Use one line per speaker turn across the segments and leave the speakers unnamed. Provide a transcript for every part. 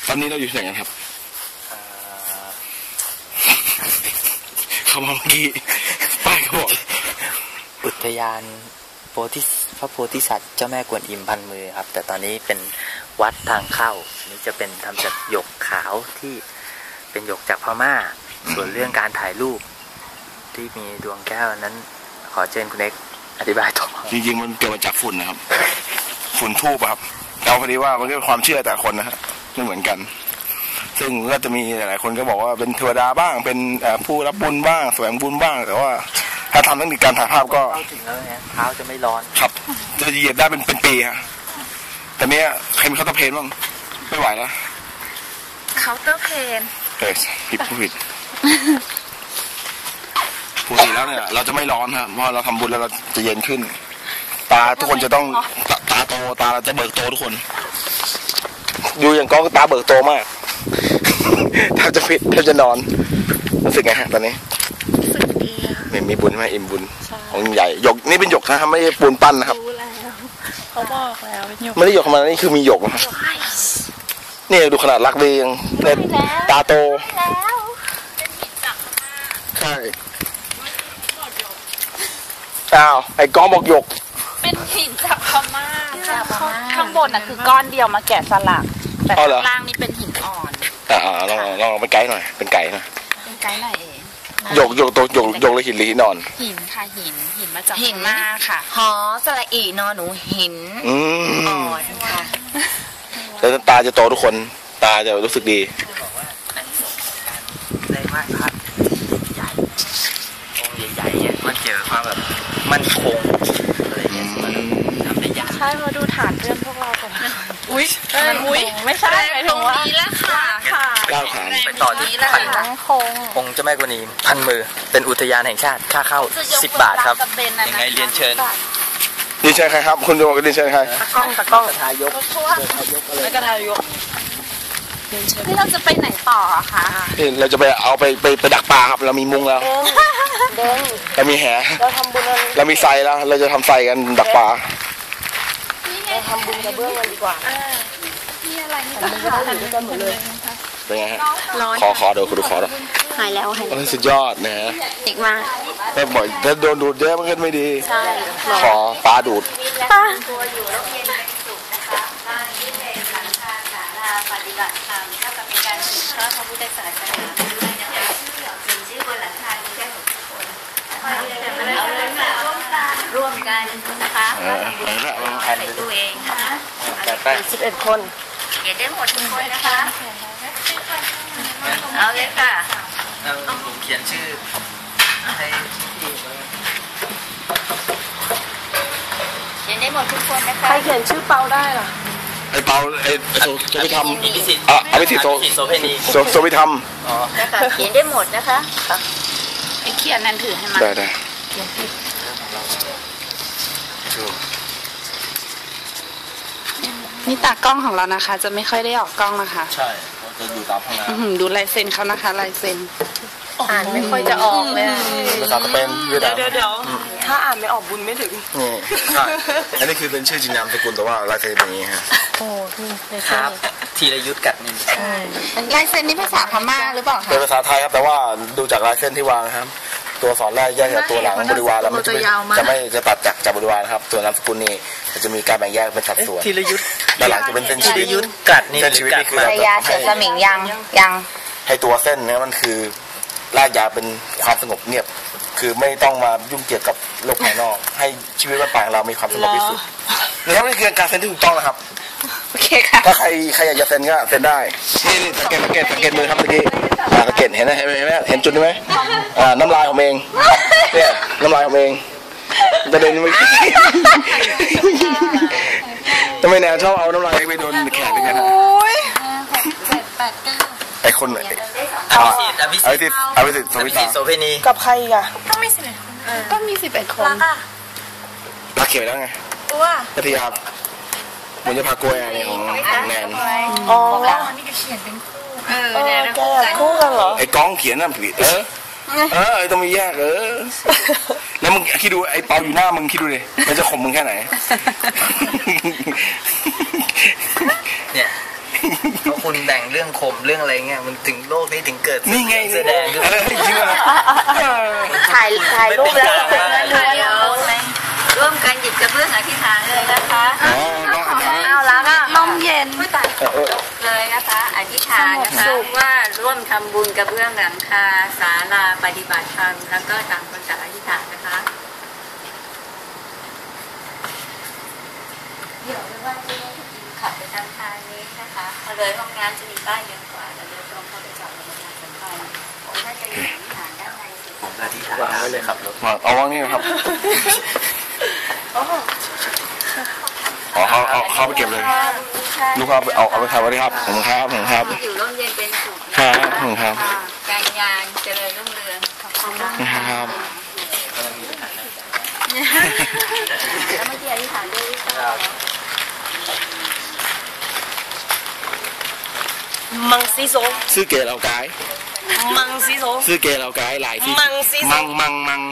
ตอนนี้เราอยู่ที่ไหนกันครับเข้ามาเมื่อกี้ป้ายเขาบอก
อุทยานพระโพธิสัตว์เจ้าแม่กวนอิมพันมือครับแต่ตอนนี้เป็นวัดทางเข้านี่จะเป็นทำจากหยกขาวที่เป็นหยกจากพม่าส่วนเรื่องการถ่ายรูปที่มีดวงแก้วนั้นขอเชิญคุณเอกอธิบายต่อ
จริงๆมันเกิดมาจากฝุ่นนะครับฝุ่นทูบครับเอาพอดีว่ามันก็เป็นความเชื่อแต่คนนะฮะไม่เหมือนกันซึ่งก็จะมีหลายคนก็บอกว่าเป็นเทวดาบ้างเป็นผู้รับบุญบ้างแสวงบุญบ้างแต่ว่าถ้าทำเทคนิคการถ่ายภาพก็
ถึงแล้วเนี่ยเท้าจะไม่ร้อน
ครับจะเหยียบได้เป็นปีฮะแต่เนี้ยใครมีเคาน์เตอร์เพนบ้างไม่ไหวแล้ว
เคาน์เตอร์เพน
ผิดปกติแล้วเนี่ยเราจะไม่ร้อนครับเพราะเราทำบุญแล้วเราจะเย็นขึ้นตาทุกคนจะต้องตาโตตาเราจะเบิกโตทุกคนดูอย่างก้องตาเบิกโตมากแทบจะฟิตแทบจะนอนรู้สึกไงฮะตอนนี้
รู้สึกดี
มีบุญไหมอิ่มบุญของใหญ่หยกนี่เป็นหยกนะครับไม่ใช่ปูนปั้นนะครับ
เขาบอกแล้วเป็นหยก
ไม่ได้หยกธรรมดานี่คือมีหยกนะครับนี่ดูขนาดรักดียังเนี่ยตาโตใช่อ้าวไอ้ก้องบอกหยก
เป็นหินจากพม่าข้างบนน่ะคือก้อนเดียวมาแกะสลักแต่ข้างล่างนี่เป็นหินอ่อน
ลองเป็นไกด์หน่อยเป็นไกด์หน่อย
เป็นไกด์หน่อยเอง
หยกเลยหินหรือหินนอน
หินค่ะหินมาจากหินมาค่ะ
หอสระอีนอนหนูหินอ่อนค่ะ
แล้วตาจะโตทุกคนตาจะรู้สึกดี
ได้ไหว้พระใหญ่องค์ใหญ่ๆเนี่ยมันเจอความแบบมั่นคงอะไรเงี้ยมันทำได้ยาก
ใช่มาดูฐานเพื่อนพวกเราก่อนอุ้ยไม่ใช่หมายถึงว่านี้แล้วค่ะ
ก้าวฐาน
ไปต่อที่พันองค์เจ้าแม่กวนอิมพันมือเป็นอุทยานแห่งชาติค่าเข้า10 บาทครับยังไงเรียนเชิญ
เรียนเชิญใครครับคุณดูเรียนเชิญใคร
ตะก้อง
ทายก
แล้วก็ทายกที่เราจะไปไหนต่อคะ
เราจะไปดักปลาครับเรามีมุ้งแล้วเรามีแห
เราทำบุญ
เรามีไซแล้วเราจะทำไซกันดักปลา
เราทำบุญกระเบื้องกันดีกว่า
มีอะไรนี่ก็หาทำกันหมดเลย
เป็นไงฮะขอเดี๋ยวคุณดูขอแล้ว
หายแล้ว
สุดยอดนะฮะ
อีกมาก
แต่บ่อยถ้าโดนดูดเยอะมันก็ไม่ดี
ใช่
ขอปลาดูด
ตัวอยู่แล้วเย็นเป็นสุขนะคะบ้านที่เป็นสังฆาสาราปฏิบัติธรรมเท่ากับเป็นการสืบทอดพระพุทธศาสนาด้วยนะคะชื่อบนหลังคามีแค่6 คนร่วมกันนะคะใส่ตัวเองนะคะ11 คนเขียนได้หมดทุกคนนะคะเอาเลยค่ะ
ผมเขียนชื่อให้พี่
เขียนได้หมดทุกคนนะคะ
ใครเขียนชื่อเปาได้หรอ
ไอ้เปาไอ้โสภิธรรมอภิสิทธิ์โสเภณีโสภิธรรม
เขียนได้หมดนะคะ
ไอ้เขียนนั่นถือให้มัน
ได้
นี่ตากล้องของเรานะคะจะไม่ค่อยได้ออกกล้องนะคะ
ใช่จะดูตามข้างหน้า
ดูลายเซ็นเขานะคะลายเซ็น
อ่านไม่ค่อยจะออกเลย
ภาษาสเปน
เดี๋ยวถ้าอ่านไม่ออกบุญไม่ถึง
นี่ใช่อันนี้คือเป็นชื่อจริงนามสกุลแต่ว่าลายเซ็นอย่างนี้ฮะ
โอ้
ครับธีรยุทธกัดนิน
ลายเซ็นนี่ภาษาพม่าหรือเปล่าคะ
เป็นภาษาไทยครับแต่ว่าดูจากลายเส้นที่วางครับตัวสอนแรกแยกจากตัวหลังบริวารแล้วมันจะตัดจากบริวารครับตัวนามสกุลนี่จะมีการแบ่งแยกเป็นสัดส่วน
ธีรยุทธ
ด้านหลังจะเป็นเส้นชีวิต
กัดนิน
เส้นชีวิตนี่คือ
ระยะเสือสมิงยัง
ให้ตัวเส้นเนี่ยมันคือรากยาเป็นความสงบเงียบคือไม่ต้องมายุ่งเกี่ยวกับโลกภายนอกให้ชีวิตบ้านปลายเรามีความสงบที่สุดนี่นี่คือการเซ็นที่ถูกต้องนะครับ
โอเคค่ะ
ถ้าใครอยากจะเซ็นก็เซ็นได้นี่สังเกตมือครับเมื่อกี้สังเกตเห็นไหมเห็นจุดไหมน้ำลายของเองเนี่ยน้ำลายของเองประเด็นไม่ทำไมแนวชอบเอาน้ำลายไปโดนแขนกันนะไอคนไหน
อภิสิทธิ์โสเภณี
กับใครอ่ะต้องมี11 คน
รักเขียวแล้วไงพัทยาบุญจะพากล้วยอะไรของแนน
อ๋อนี่ก็เขียนเป็นคู่แนน
คู่กันเหรอ
ไอ้ก้องเขียนน่ะผิดต้องมีแยกแล้วมึงคิดดูไอ้เปาอยู่หน้ามึงคิดดูดิมันจะข่มมึงแค่ไหน
เนี่ยเพราะคุณแบ่งเรื่องข่มเรื่องอะไรเงี้ยมันถึงโลกนี้ถึงเกิด
นี่ไง
แสดงขึ้น
จริงเหรอ
ถ่ายรูปแล้ว
ร่วมกันหยิบกระเบื้องอธิษฐานเลยนะคะ
อ๋อ
เอาแล้วก็ลมเย็น
ไม่ตายเลยนะคะอธิษฐานนะคะว่าร่วมทำบุญกระเบื้องหลังคาศาลาปฏิบัติธรรมแล้วก็ต่างคนต่างอธิษฐานนะคะเดี๋ยวไม่ว่าจะขับไปทางทางนี้นะคะพอเลยห้องน้ำจะมีป้ายเยอะกว่าแล้วเดินตรงเข้าไปจอดในประชาสัมพันธ์ผมน่าจะอยู่อธิษฐานด้านในสุด
ผมอธิษฐานไว้เลยครับรถ
เอาวางนี่นะครับอ๋อเขาไปเก็บเลยลูกค้าเอาไปขายไว้ครับผมครับ
อยู่ร่มเย็นเป็นสุข
ครับ
การงานเจริญรุ่งเรืองขอบคุณมาก
ครับ
แล้วเมื่อกี้อธิษฐานด้วย
มังซีโซ
ซื้อเกลเราไกด์
มังซีโซ
ซื้อเกลเราไกด์หลายที่
มังซีโซ
มัง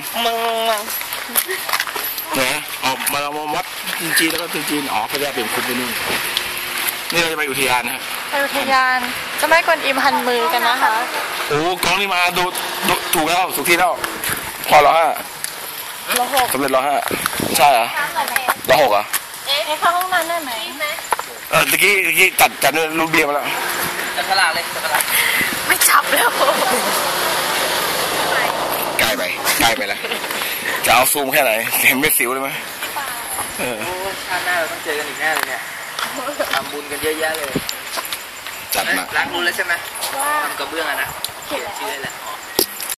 เนี่ย
ออกมาเราวัดจีนแล้วก็จีนอ๋อเขาจะเป็นคุณไปนู่นนี่เราจะไปอุทยานนะ
ไปอุทยานเจ้าแม่กวนอิมพันมือกันนะคะ
โอ้กองนี่มาดูถูกแล้วถูกที่แล้วพอแล้วฮะ
เราหก
สำเร็จแล้วฮะใช่เหรอเราหกอ่ะ
เข้าห้องน้ำได้ไหม
ตะกี้จัดรูปเบียร์มาแล้ว
จับฉลากเลยจับฉลาก
ไม่จับแล้ว
ใกล้ไปแล้วจะเอาซูมแค่ไหนเห็นเม็ดสิวเลยไหม
โอ้ชาติหน้าเราต้องเจอกันอีกแน่เลยเนี่ยทำบุญกันเยอะแยะเลย
จัดมา
ล้างบุญแล้วใช่ไหมทำกระเบื้องอะนะเขียนชื่อเลยแหละ